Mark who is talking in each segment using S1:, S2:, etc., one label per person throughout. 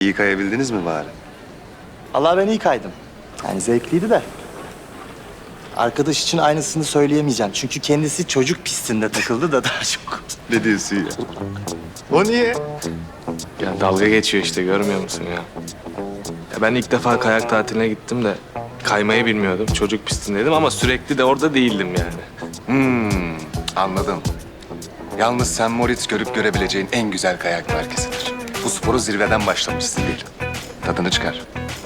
S1: İyi kayabildiniz mi bari?
S2: Allah ben iyi kaydım. Yani zevkliydi de. Arkadaş için aynısını söyleyemeyeceğim. Çünkü kendisi çocuk pistinde takıldı da daha çok.
S1: Ne diyorsun ya? O niye?
S3: Ya dalga geçiyor işte, görmüyor musun ya? Ya ben ilk defa kayak tatiline gittim de kaymayı bilmiyordum. Çocuk pistindeydim ama sürekli de orada değildim yani.
S1: Anladım. Yalnız St. Moritz görüp görebileceğin en güzel kayak merkezidir. Bu sporu zirveden başlamışsın değil. Tadını çıkar.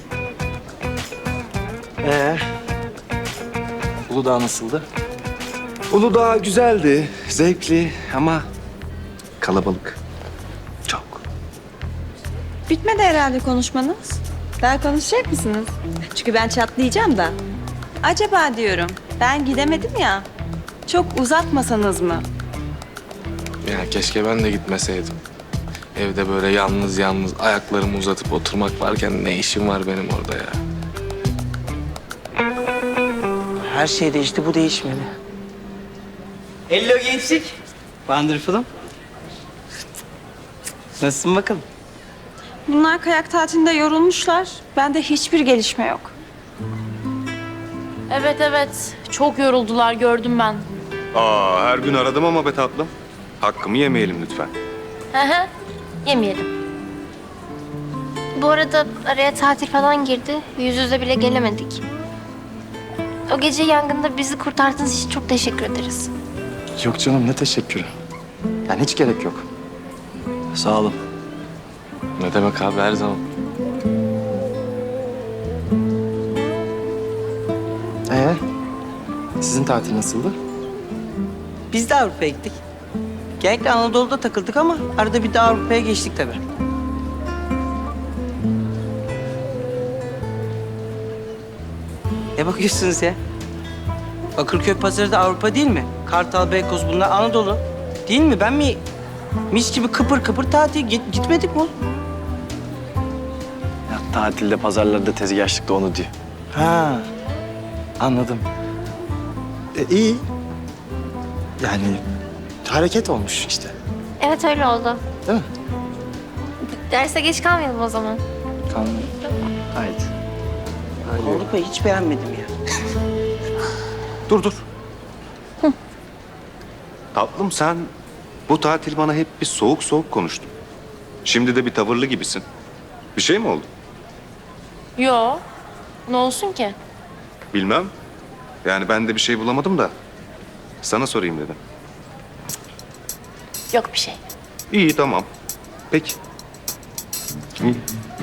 S2: Uludağ nasıldı?
S1: Uludağ güzeldi, zevkli ama kalabalık. Çok.
S4: Bitmedi herhalde konuşmanız. Daha konuşacak mısınız? Çünkü ben çatlayacağım da. Acaba diyorum, ben gidemedim ya. Çok uzatmasanız mı?
S3: Ya keşke ben de gitmeseydim. Evde böyle yalnız yalnız ayaklarımı uzatıp oturmak varken ne işim var benim orada ya?
S5: Her şey değişti, bu değişmeli. Hello gençlik. Wonderful'um. Nasılsın bakalım?
S4: Bunlar kayak tatilinde yorulmuşlar. Bende hiçbir gelişme yok.
S6: Evet evet. Çok yoruldular, gördüm ben.
S1: Her gün aradım ama be tatlım. Hakkımı yemeyelim lütfen.
S6: Hı hı. Yemeyelim. Bu arada araya tatil falan girdi. Yüz yüze bile gelemedik. O gece yangında bizi kurtardığınız için çok teşekkür ederiz.
S2: Yok canım, ne teşekkürü. Yani hiç gerek yok. Sağ olun.
S3: Ne demek abi, her zaman.
S2: Sizin tatil nasıldı?
S5: Biz de Avrupa'ya gittik. Genellikle Anadolu'da takıldık ama arada bir de Avrupa'ya geçtik tabii. Ne bakıyorsunuz ya? Bakırköy pazarı da Avrupa değil mi? Kartal, Beykoz bunlar Anadolu. Değil mi? Ben mi mis gibi kıpır kıpır tatil gitmedik mi oğlum?
S7: Ya, tatilde, pazarlarda, tezgahçılıkta onu diyor.
S2: Ha, anladım. İyi. Yani hareket olmuş işte.
S6: Evet öyle oldu.
S2: Değil mi?
S6: Derse geç kalmayalım o zaman.
S2: Kalmıyor. Haydi.
S5: Avrupa'yı hiç beğenmedim ya.
S1: Dur. Tatlım sen bu tatil bana hep bir soğuk soğuk konuştun. Şimdi de bir tavırlı gibisin. Bir şey mi oldu?
S6: Yo. Ne olsun ki?
S1: Bilmem. Yani ben de bir şey bulamadım da sana sorayım dedim.
S6: Yok bir şey.
S1: İyi tamam. Peki. İyi.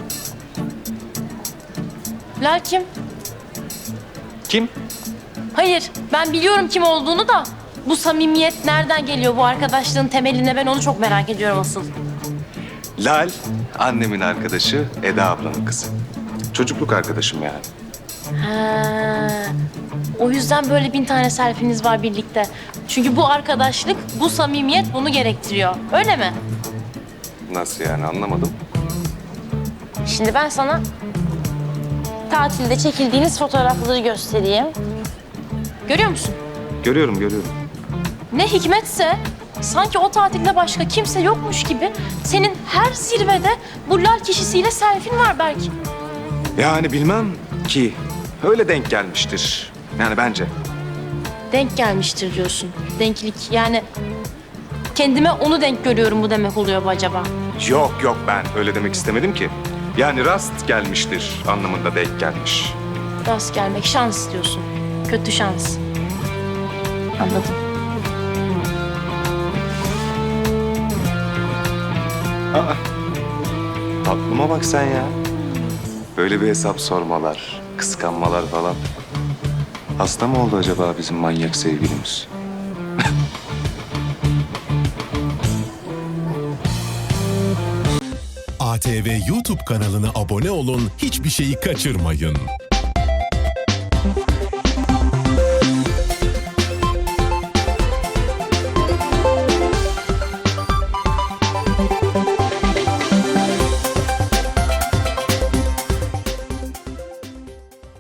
S6: Lal kim?
S1: Kim?
S6: Hayır, ben biliyorum kim olduğunu da bu samimiyet nereden geliyor, bu arkadaşlığın temeline, ben onu çok merak ediyorum asıl.
S1: Lal, annemin arkadaşı, Eda ablanın kızı. Çocukluk arkadaşım yani.
S6: Ha, o yüzden böyle 1000 tane selfie'niz var birlikte. Çünkü bu arkadaşlık, bu samimiyet bunu gerektiriyor. Öyle mi?
S1: Nasıl yani anlamadım.
S6: Şimdi ben sana tatilde çekildiğiniz fotoğrafları göstereyim. Görüyor musun?
S1: Görüyorum.
S6: Ne hikmetse sanki o tatilde başka kimse yokmuş gibi senin her zirvede bu lal kişisiyle selfie'n var belki.
S1: Yani bilmem ki öyle denk gelmiştir. Yani bence.
S6: Denk gelmiştir diyorsun. Denklik yani kendime onu denk görüyorum, bu demek oluyor bu acaba?
S1: Yok ben öyle demek istemedim ki. Yani rast gelmiştir anlamında denk gelmiş.
S6: Rast gelmek, şans diyorsun. Kötü şans. Anladım.
S1: Tatlıma bak sen ya. Böyle bir hesap sormalar, kıskanmalar falan. Hasta mı oldu acaba bizim manyak sevgilimiz?
S8: ATV YouTube kanalına abone olun, hiçbir şeyi kaçırmayın.